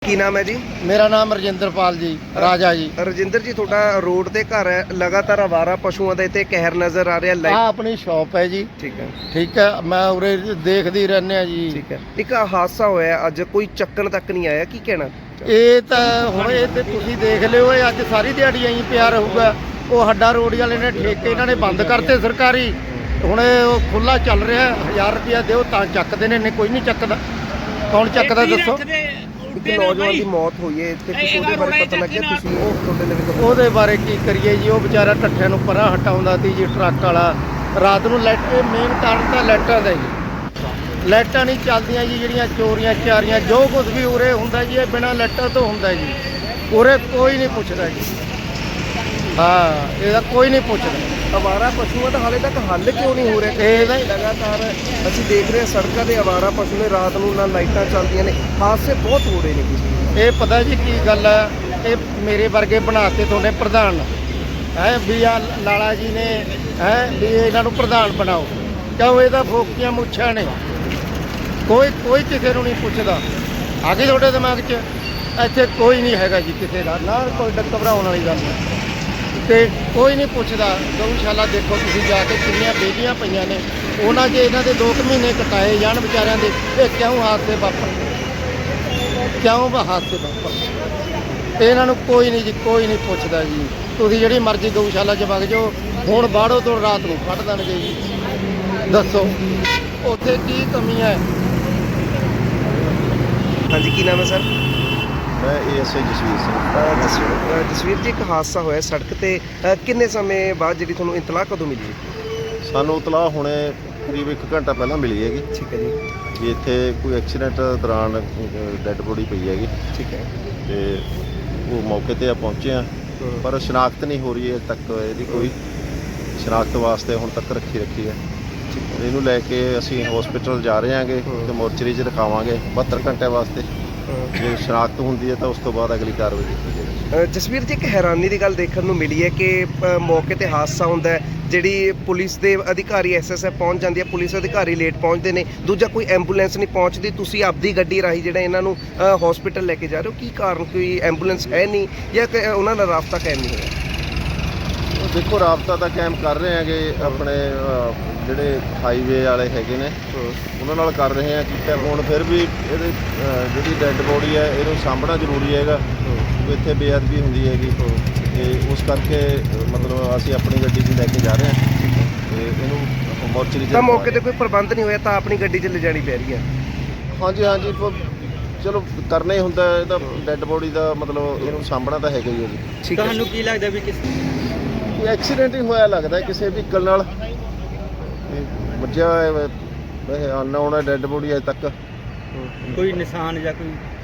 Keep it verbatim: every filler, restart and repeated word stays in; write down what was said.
ਕੀ ਨਾਮ ਹੈ ਜੀ? ਮੇਰਾ ਨਾਮ ਰਜਿੰਦਰਪਾਲ ਜੀ, ਰਾਜਾ ਜੀ। ਰਜਿੰਦਰ ਜੀ, ਤੁਹਾਡਾ ਰੋਡ ਤੇ ਘਰ ਹੈ, ਲਗਾਤਾਰ ਆਵਾਰਾ ਪਸ਼ੂਆਂ ਦਾ ਇੱਥੇ ਕਹਿਰ ਨਜ਼ਰ ਆ ਰਿਹਾ। ਆ ਆਪਣੀ ਸ਼ਾਪ ਹੈ ਜੀ। ਠੀਕ ਹੈ ਠੀਕ ਹੈ, ਮੈਂ ਉਰੇ ਦੇਖਦੀ ਰਹਿੰਦੇ ਆ ਜੀ। ਠੀਕ ਹੈ। ਇੱਕ ਹਾਦਸਾ ਹੋਇਆ ਅੱਜ, ਕੋਈ ਚੱਕਣ ਤੱਕ ਨਹੀਂ ਆਇਆ, ਕੀ ਕਹਿਣਾ? ਇਹ ਤਾਂ ਹੁਣ ਇਹ ਤੇ ਤੁਸੀਂ ਦੇਖ ਲਿਓ, ਇਹ ਅੱਜ ਸਾਰੀ ਦਿਹਾੜੀ ਐਂ ਪਿਆ ਰਹੂਗਾ। ਉਹ ਹੱਡਾ ਰੋਡ ਵਾਲੇ ਨੇ ਠੇਕੇ ਇਹਨਾਂ ਨੇ ਬੰਦ ਕਰਤੇ ਸਰਕਾਰੀ। ਹੁਣ ਉਹ ਖੁੱਲਾ ਚੱਲ ਰਿਹਾ, ਹਜ਼ਾਰ ਰੁਪਇਆ ਦਿਓ ਤਾਂ ਚੱਕਦੇ ਨੇ, ਨਹੀਂ ਕੋਈ ਨਹੀਂ ਚੱਕਦਾ। ਕੌਣ ਚੱਕਦਾ ਦੱਸੋ? ਇੱਕ ਨੌਜਵਾਨ ਦੀ ਮੌਤ ਹੋਈ ਹੈ ਇੱਥੇ, ਕੁਝ ਉਹਦੇ ਬਾਰੇ ਪਤਾ ਲੱਗਿਆ? ਤੁਸੀਂ ਉਹ ਤੁਹਾਡੇ ਲਈ ਉਹਦੇ ਬਾਰੇ ਕੀ ਕਰੀਏ ਜੀ? ਉਹ ਵਿਚਾਰਾ ਟੱਠਿਆਂ ਨੂੰ ਪਰਾਂ ਹਟਾਉਂਦਾ ਸੀ ਜੀ, ਟਰੱਕ ਵਾਲਾ। ਰਾਤ ਨੂੰ ਲਾਈਟ, ਮੇਨ ਕਾਰਨ ਤਾਂ ਲਾਈਟਾਂ ਦਾ ਜੀ। ਲਾਈਟਾਂ ਨਹੀਂ ਚੱਲਦੀਆਂ ਜੀ, ਜਿਹੜੀਆਂ ਚੋਰੀਆਂ ਚਾਰੀਆਂ ਜੋ ਕੁਝ ਵੀ ਉਰੇ ਹੁੰਦਾ ਜੀ, ਇਹ ਬਿਨਾਂ ਲਾਈਟਾਂ ਤੋਂ ਹੁੰਦਾ ਜੀ। ਉਰੇ ਕੋਈ ਨਹੀਂ ਪੁੱਛਦਾ ਜੀ। ਹਾਂ, ਇਹਦਾ ਕੋਈ ਨਹੀਂ ਪੁੱਛਦਾ। ਆਵਾਰਾ ਪਸ਼ੂਆਂ ਦਾ ਹਾਲੇ ਤੱਕ ਹੱਲ ਕਿਉਂ ਨਹੀਂ ਹੋ ਰਿਹਾ? ਇਹਦਾ ਲਗਾਤਾਰ ਅਸੀਂ ਦੇਖ ਰਹੇ ਹਾਂ ਸੜਕਾਂ ਦੇ ਆਵਾਰਾ ਪਸ਼ੂ ਨੇ, ਰਾਤ ਨੂੰ ਨਾ ਲਾਈਟਾਂ ਚੱਲਦੀਆਂ ਨੇ, ਹਾਦਸੇ ਬਹੁਤ ਹੋ ਰਹੇ ਨੇ ਜੀ। ਇਹ ਪਤਾ ਜੀ ਕੀ ਗੱਲ ਹੈ, ਇਹ ਮੇਰੇ ਵਰਗੇ ਬਣਾਤੇ ਤੁਹਾਡੇ ਪ੍ਰਧਾਨ ਹੈ ਵੀ ਆ ਲਾਲਾ ਜੀ ਨੇ, ਹੈ ਵੀ ਇਹਨਾਂ ਨੂੰ ਪ੍ਰਧਾਨ ਬਣਾਓ। ਕਿਉਂ? ਇਹਦਾ ਫੋਕੀਆਂ ਮੁੱਛਾਂ ਨੇ, ਕੋਈ ਕੋਈ ਕਿਸੇ ਨੂੰ ਨਹੀਂ ਪੁੱਛਦਾ। ਆ ਗਈ ਤੁਹਾਡੇ ਦਿਮਾਗ 'ਚ? ਇੱਥੇ ਕੋਈ ਨਹੀਂ ਹੈਗਾ ਜੀ ਕਿਸੇ ਦਾ, ਨਾ ਕੋਈ ਘਬਰਾਉਣ ਵਾਲੀ ਗੱਲ ਨਹੀਂ। ਤੇ ਕੋਈ ਨਹੀਂ ਪੁੱਛਦਾ। ਗਊਸ਼ਾਲਾ ਦੇਖੋ ਤੁਸੀਂ ਜਾ ਕੇ, ਕਿੰਨੀਆਂ ਬੇਲੀਆਂ ਪਈਆਂ ਨੇ, ਉਹਨਾਂ 'ਚ ਇਹਨਾਂ ਦੇ ਦੋ ਕੁ ਮਹੀਨੇ ਕਟਾਏ ਜਾਣ ਵਿਚਾਰਿਆਂ ਦੇ। ਇਹ ਕਿਉਂ ਹਾਦਸੇ ਵਾਪਰ ਕਿਉਂ ਹਾਦਸੇ ਵਾਪਰ ਇਹਨਾਂ ਨੂੰ ਕੋਈ ਨਹੀਂ ਜੀ, ਕੋਈ ਨਹੀਂ ਪੁੱਛਦਾ ਜੀ। ਤੁਸੀਂ ਜਿਹੜੀ ਮਰਜ਼ੀ ਗਊਸ਼ਾਲਾ 'ਚ ਵਗ ਜਾਓ, ਹੁਣ ਬਾੜੋ ਤੋਂ ਰਾਤ ਨੂੰ ਕੱਢ ਦੇਣਗੇ ਜੀ। ਦੱਸੋ ਉੱਥੇ ਕੀ ਕਮੀ ਹੈ? ਹਾਂਜੀ, ਕੀ ਨਾਮ ਹੈ ਸਰ? ਮੈਂ A S I Jasvir Singh. ਅਹ ਜਸਵੀਰ ਅਹ ਜਸਵੀਰ ਜੀ, ਇੱਕ ਹਾਦਸਾ ਹੋਇਆ ਸੜਕ ਤੇ, ਅਹ ਕਿੰਨੇ ਸਮੇਂ ਬਾਅਦ ਜਿਹੜੀ ਤੁਹਾਨੂੰ ਇਤਲਾਹ ਕਦੋਂ ਮਿਲੀ? ਸਾਨੂੰ ਇਤਲਾਹ ਹੁਣੇ ਕਰੀਬ ਇੱਕ ਘੰਟਾ ਪਹਿਲਾਂ ਮਿਲੀ ਹੈਗੀ ਠੀਕ ਹੈ ਜੀ। ਵੀ ਇੱਥੇ ਕੋਈ ਐਕਸੀਡੈਂਟ ਦੌਰਾਨ ਡੈੱਡ ਬੋਡੀ ਪਈ ਹੈਗੀ। ਠੀਕ ਹੈ। ਤੇ ਉਹ ਮੌਕੇ ਤੇ ਆ ਪਹੁੰਚੇ ਆ, ਪਰ ਸ਼ਨਾਖਤ ਨਹੀਂ ਹੋ ਰਹੀ ਹੈ ਤੱਕ। ਇਹਦੀ ਕੋਈ ਸ਼ਨਾਖਤ ਵਾਸਤੇ ਹੁਣ ਤੱਕ ਰੱਖੀ ਰੱਖੀ ਹੈ। ਇਹਨੂੰ ਲੈ ਕੇ ਅਸੀਂ ਹਸਪੀਟਲ ਜਾ ਰਹੇ ਹਾਂਗੇ ਤੇ ਮੋਰਚਰੀ 'ਚ ਰਖਾਵਾਂਗੇ ਬਹੱਤਰ ਘੰਟਿਆਂ ਵਾਸਤੇ। ਜੇ ਸ਼ਨਾਖਤ ਹੁੰਦੀ ਹੈ ਤਾਂ ਉਸ ਤੋਂ ਬਾਅਦ ਅਗਲੀ ਕਾਰਵਾਈ ਕੀਤੀ ਜਾਵੇਗੀ। ਜਸਵੀਰ ਜੀ, ਇੱਕ ਹੈਰਾਨੀ ਦੀ ਗੱਲ ਦੇਖਣ ਨੂੰ ਮਿਲੀ ਹੈ ਕਿ ਅ, ਮੌਕੇ ਤੇ ਹਾਦਸਾ ਹੁੰਦਾ ਹੈ, ਜਿਹੜੀ ਪੁਲਿਸ ਦੇ ਅਧਿਕਾਰੀ ਐਸ ਐਸ ਐਫ ਪਹੁੰਚ ਜਾਂਦੀ ਹੈ, ਪੁਲਿਸ ਅਧਿਕਾਰੀ ਲੇਟ ਪਹੁੰਚਦੇ ਨੇ, ਦੂਜਾ ਕੋਈ ਐਂਬੂਲੈਂਸ ਨਹੀਂ ਪਹੁੰਚਦੀ। ਤੁਸੀਂ ਆਪਦੀ ਗੱਡੀ ਰਾਹੀਂ ਜਿਹੜਾ ਇਹਨਾਂ ਨੂੰ ਹਸਪੀਟਲ ਲੈ ਕੇ ਜਾ ਰਹੇ ਹੋ, ਕੀ ਕਾਰਨ? ਕੋਈ ਐਂਬੂਲੈਂਸ ਹੈ ਨਹੀਂ ਜਾਂ ਕਿ ਉਹਨਾਂ ਦਾ ਰਾਬਤਾ ਕਾਇਮ ਨਹੀਂ ਹੋਇਆ? ਉਹ ਦੇਖੋ, ਰਾਬਤਾ ਤਾਂ ਕਾਇਮ ਕਰ ਰਹੇ ਹੈਗੇ, ਆਪਣੇ ਅ, ਜਿਹੜੇ ਹਾਈਵੇ ਵਾਲੇ ਹੈਗੇ ਨੇ ਉਹਨਾਂ ਨਾਲ ਕਰ ਰਹੇ ਆ ਕੀਤਾ ਫੋਨ। ਫਿਰ ਵੀ ਇਹਦੇ ਅ, ਜਿਹੜੀ ਡੈੱਡ ਬੋਡੀ ਹੈ ਇਹਨੂੰ ਸਾਂਭਣਾ ਜ਼ਰੂਰੀ ਹੈਗਾ। ਇੱਥੇ ਬੇਅਦਬੀ ਹੁੰਦੀ ਹੈਗੀ ਤੇ ਉਸ ਕਰਕੇ ਮਤਲਬ ਅਸੀਂ ਆਪਣੀ ਗੱਡੀ 'ਚ ਲੈ ਕੇ ਜਾ ਰਹੇ ਹਾਂ ਤੇ ਇਹਨੂੰ ਮੋਰਚਰੀ 'ਚ। ਤਾਂ ਮੌਕੇ ਤੇ ਕੋਈ ਪ੍ਰਬੰਧ ਨਹੀਂ ਹੋਇਆ ਤਾਂ ਆਪਣੀ ਗੱਡੀ 'ਚ ਲਿਜਾਣੀ ਪੈ ਰਹੀ ਹੈ? ਹਾਂਜੀ ਹਾਂਜੀ, ਚਲੋ ਕਰਨਾ ਹੀ ਹੁੰਦਾ ਇਹਦਾ, ਡੈੱਡ ਬੋਡੀ ਦਾ ਮਤਲਬ ਇਹਨੂੰ ਸਾਂਭਣਾ ਤਾਂ ਹੈਗਾ ਹੀ ਹੈ ਜੀ। ਤੁਹਾਨੂੰ ਕੀ ਲੱਗਦਾ ਵੀ ਕਿਸ ਕੋਈ ਐਕਸੀਡੈਂਟ ਹੀ ਹੋਇਆ ਲੱਗਦਾ ਕਿਸੇ ਵਹੀਕਲ ਨਾਲ, ਵੱਜਿਆ ਹੋਇਆ ਵੈਸੇ ਅਨਨੋਨ ਹੈ ਡੈੱਡ ਬੋਡੀ ਅਜੇ ਤੱਕ। ਕੋਈ ਨਿਸ਼ਾਨ ਜਾਂ ਕੋਈ